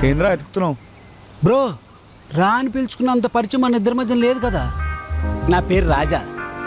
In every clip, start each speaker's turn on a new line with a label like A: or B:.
A: ఏంద్రా ఎత్తుకుతున్నావు?
B: బ్రో రా అని పిలుచుకున్నంత పరిచయం మన ఇద్దరి మధ్య లేదు కదా. నా పేరు రాజా.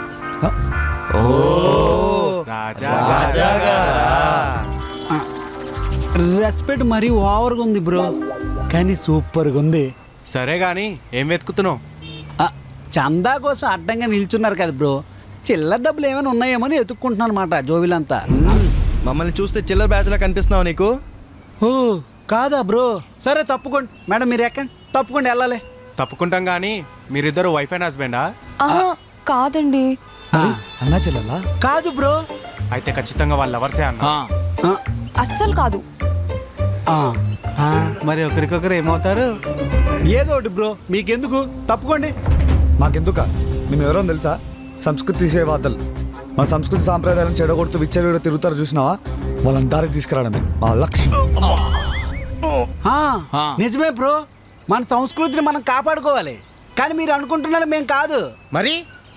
B: రెస్పెక్ట్ మరీ ఓవర్గా ఉంది బ్రో, కానీ సూపర్గా ఉంది.
C: సరే గాని ఏం వెతుకుతున్నావు?
B: చందా కోసం అడ్డంగా నిల్చున్నారు కదా బ్రో, చిల్లర డబ్బులు ఏమైనా ఉన్నాయేమో అని ఎత్తుక్కుంటున్నాను అనమాట. జోబిలంతా
D: మమ్మల్ని చూస్తే చిల్లర బ్యాచ్లా కనిపిస్తున్నావు నీకు.
B: ఓ కాదా బ్రో, సరే తప్పుకోండి మేడం, మీరు ఎక్కండి, తప్పుకోండి వెళ్ళాలి.
C: తప్పుకుంటాం గానీ మీరిద్దరు వైఫ్ అండ్ హస్బెండా?
E: కాదండి.
A: అన్నా చెల్లెలా?
B: కాదు బ్రో.
C: అయితే ఖచ్చితంగా వాళ్ళ లవర్సే అన్న.
E: అస్సలు కాదు.
B: మరి ఒకరికొకరు ఏమవుతారు? ఏదో ఒకటి బ్రో, మీకెందుకు, తప్పుకోండి.
A: మాకెందుక? మేము ఎవరో తెలుసా? సంస్కృతి సేవాదలు. మన సంస్కృతి సాంప్రదాయాలను చెడగొడుతూ విచ్చలవిడ తిరుగుతారు చూసినావా? వాళ్ళని దారికి తీసుకురావడమే మా లక్ష్యం.
B: నిజమే బ్రో, మన సంస్కృతిని మనం కాపాడుకోవాలి. కానీ మీరు అనుకుంటున్నారు మేము కాదు.
C: మరి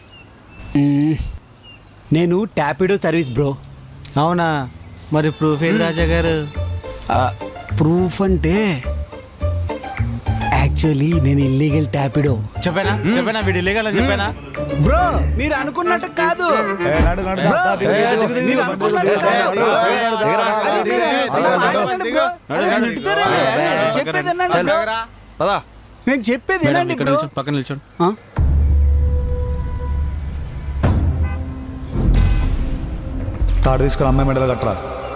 B: నేను టాపిడో సర్వీస్ బ్రో.
F: అవునా? మరి ప్రూఫ్ ఏది రాజా గారు?
B: ప్రూఫ్ అంటే యాక్చువల్లీ నేను ఇల్లీగల్ టాపిడో.
F: చెప్పానా వీడు ఇల్లీగల్ అని చెప్పానా?
B: బ్రో మీరు అనుకున్నట్టు కాదు.
A: నడు, నడు,
B: బ్రో,
A: దా, దిగు, దిగు, దిగు,
B: మీరు
A: దిగు,
B: అనుకున్నట్టు
A: దిగు,
B: కాదు, బ్రో.
A: దిగురా,
B: అది మీరు
A: దిగు,
B: మాట్లాడండి బ్రో. అరే, నెట్టుతారండి. అరే, చెప్పేది వినండి బ్రో.
D: పదా
B: నేను చెప్పేది
F: మేడం,
B: వినండి
F: ఇక్కడ
B: బ్రో.
F: నిల్చోండి, పక్కన నిల్చోండి.
A: తాడు తీసుకుని అమ్మాయి మెడలు కట్టరా.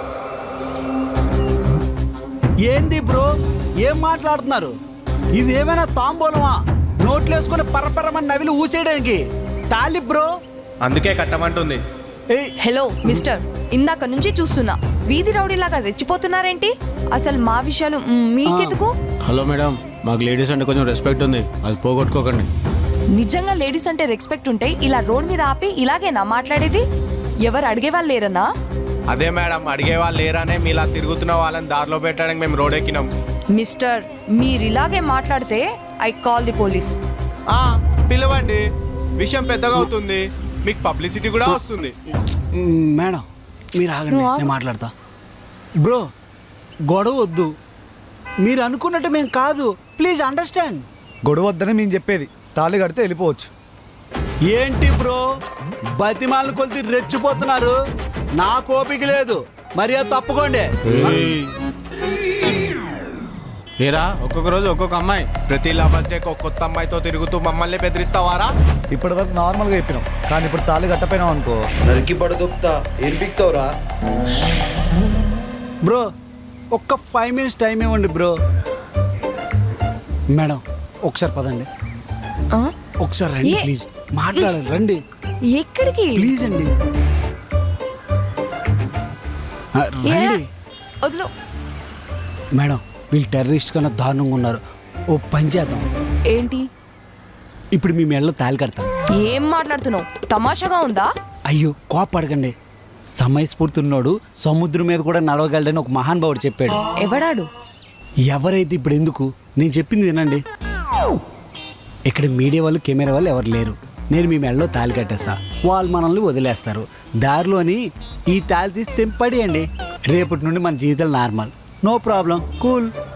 B: ఏంది బ్రో, ఏం మాట్లాడుతున్నారు? ఇది ఏమైనా తాంబూలమా? నోట్లు వేసుకుని పరపరమని నవిలి ఊసేయడానికి తాలి బ్రో.
C: అందుకే కట్టమంటుంది.
E: హలో మిస్టర్, ఇందాక నుంచి చూస్తున్నా, వీధి రౌడీలాగా రెచ్చిపోతున్నారేంటి? అసలు మా విషయాలు మీకెందుకు?
F: హలో మేడం, మాకు లేడీస్ అంటే కొంచెం రెస్పెక్ట్ ఉంది, అది పోగొట్టుకోకండి.
E: నిజంగా లేడీస్ అంటే రెస్పెక్ట్ ఉంటే ఇలా రోడ్ మీద ఆపి ఇలాగేనా మాట్లాడేది? ఎవరు అడిగే వాళ్ళు లేరన్నా?
C: అదే మేడం, అడిగే వాళ్ళు లేరానే మీలా తిరుగుతున్న వాళ్ళని దారిలో పెట్టడానికి మేము రోడ్ ఎక్కినాం.
E: మిస్టర్, మీరు ఇలాగే మాట్లాడితే ఐ కాల్ ది పోలీస్.
C: పిలవండి, విషయం పెద్దగా అవుతుంది, మీకు పబ్లిసిటీ కూడా వస్తుంది.
B: మేడం మీరు ఆగండి, నేను మాట్లాడతా. బ్రో గొడవ వద్దు, మీరు అనుకున్నట్టు మేము కాదు, ప్లీజ్ అండర్స్టాండ్.
A: గొడవ వద్దని మేము చెప్పేది, తాళి కడితే వెళ్ళిపోవచ్చు.
B: ఏంటి బ్రో బతిమాలను కొలిసి రెచ్చిపోతున్నారు? నా కోపిక లేదు, మరి అది తప్పుకోండి.
F: ఏరా, ఒక్కొక్క రోజు ఒక్కొక్క అమ్మాయి.
C: ప్రతి లవర్స్ డే ఒక కొత్త అమ్మాయితో తిరుగుతూ మమ్మల్ని బెదిరిస్తావారా?
A: ఇప్పటి వరకు నార్మల్గా చెప్పినాం, కానీ ఇప్పుడు తాళి కట్టపోయినాం అనుకో,
D: నరికి పడదొప్తా. ఏం పిక్తావురా?
B: బ్రో ఒక్క 5 minutes టైం ఇవ్వండి బ్రో. మేడం ఒకసారి పదండి, ఒకసారి రండి ప్లీజ్, మాట్లాడాలి, రండి
E: ఎక్కడికి?
B: ప్లీజ్ అండి, రండి.
E: వదిలో.
B: మేడం వీళ్ళు టెర్రరిస్ట్ కన్నా దారుణంగా ఉన్నారు, ఓ పని చేద్దాం.
E: ఏంటి?
B: ఇప్పుడు మీ మెడలో తాళి కడతాం.
E: ఏం మాట్లాడుతున్నావు? తమాషాగా ఉందా?
B: అయ్యో కోపడకండి, సమయస్ఫూర్తి ఉన్నోడు సముద్రం మీద కూడా నడవగలడని ఒక మహానుభావుడు చెప్పాడు.
E: ఎవడాడు?
B: ఎవరైతే ఇప్పుడు ఎందుకు, నేను చెప్పింది వినండి. ఇక్కడ మీడియా వాళ్ళు కెమెరా వాళ్ళు ఎవరు లేరు, నేను మీ మెడలో తాళి కట్టేస్తా, వాళ్ళు మనల్ని వదిలేస్తారు. దారిలోని ఈ తాళి తీసి తెంపడేయండి, రేపటి నుండి మన జీవితాలు నార్మల్, నో ప్రాబ్లం, కూల్.